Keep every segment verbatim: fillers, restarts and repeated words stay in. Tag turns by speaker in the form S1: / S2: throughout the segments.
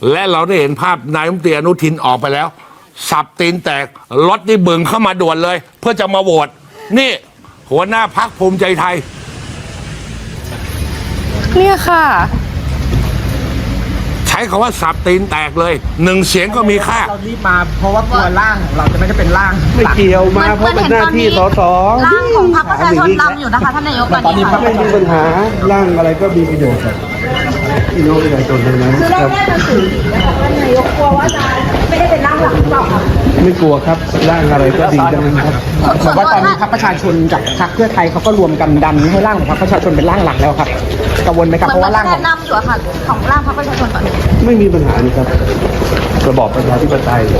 S1: และเราได้เห็นภาพนายรัฐมนตรีอนุทินออกไปแล้วสับตีนแตกรถนี่บึงเข้ามาด่วนเลย เพื่อจะมาโหวตนี่หัวหน้าพรรคภูมิใจไทย
S2: เนี่ยค่ะ
S1: ใช้คำว่าสับตีนแตกเลยหนึ่งเสียงก็มีค่า
S3: เรารีบมาเพราะว่ากลัวร่างของเราจะไม่ได้เป็นร่าง
S4: ไม่เกี่ยวมาเพราะเป็นหน้าที่สส
S5: ร่างของพรรคประชาชนนำอยู่นะคะท่านนายกตอนนี้
S4: ไม่มีปัญหาร่างอะไรก็มีประโยชน์พี่น้องประชาชนทั้งนั้นครับท่านนายกกลัวว่าจะไม่ได้เป็นร่างหลักหรือเปล่าครับไม่กลัวครับร่างอะไรก็ดีทั้งนั้นครับ
S3: แต่ว่าตอนนี้พรรคประชาชนกับพรรคเพื่อไทยเขาก็รวมกันดันให้ร่างของพรรคประชาชนเป็นร่างหลักแล้วครับกังวลไหมครับเพราะว่าร่างของ
S5: นำอยู่ค่ะของร่างพรรคประชาชนตอนนี้
S4: ไม่มีปัญหานี่ครับระบอบประชาธิปไตย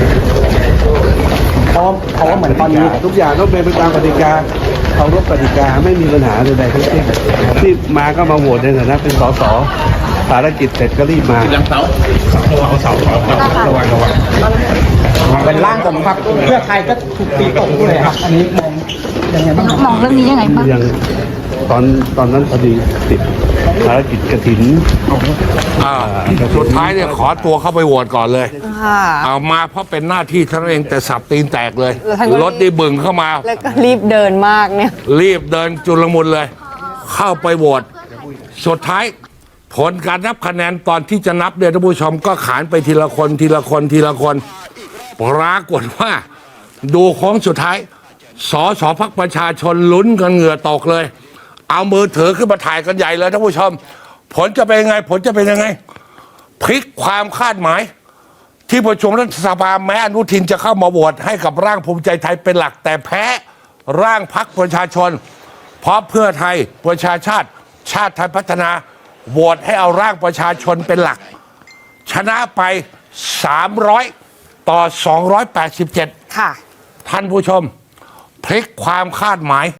S3: เพราะเพราะว่าเหมือนตอนนี้
S4: ทุกอย่างต้องเป็นไปตามกติกาเคารพกติกาไม่มีปัญหาใดๆทั้งสิ้นที่มาก็มาโหวตในฐานะเป็นสสภารกิจเสร็จก็รีบมา
S1: เสาระวังเสาระวังระวัง
S3: เป็นร่างของพรรคเพื่อไทยก็ถูกตีตกด้วยครับอันนี้มองยังไงบ้าง
S5: มองเรื่องนี้ยังไงบ้าง
S4: ยังตอนตอนนั้นพอดีติดภารกิจกฐิน
S1: สุดท้ายเนี่ยขอตัวเข้าไปโหวตก่อนเลยเอามาเพราะเป็นหน้าที่ท่านเองแต่สับตีนแตกเลยรถได้บึงเข้ามา
S2: แล้วก็รีบเดินมากเนี่ย
S1: รีบเดินจุลมุนเลยเข้าไปโหวตสุดท้ายผลการนับคะแนนตอนที่จะนับเนี่ยท่านผู้ชมก็ขานไปทีละคนทีละคนทีละคนปรากฏว่าดูของสุดท้ายสสพรรคประชาชนลุ้นกันเหงื่อตกเลยเอามือถือขึ้นมาถ่ายกันใหญ่เลยท่านผู้ชมผลจะเป็นยังไงผลจะเป็นยังไงพลิกความคาดหมายที่ประชุมรัฐสภาแม้อนุทินจะเข้ามาโหวตให้กับร่างภูมิใจไทยเป็นหลักแต่แพ้ร่างพรรคประชาชนเพราะเพื่อไทยประชาชาติชาติไทยพัฒนาโหวตให้เอาร่างประชาชนเป็นหลักชนะไปสามร้อยต่อสองร้อยแปดสิบเจ็ด
S2: ค่ะ
S1: ท่านผู้ชมพลิกความคาดหมาย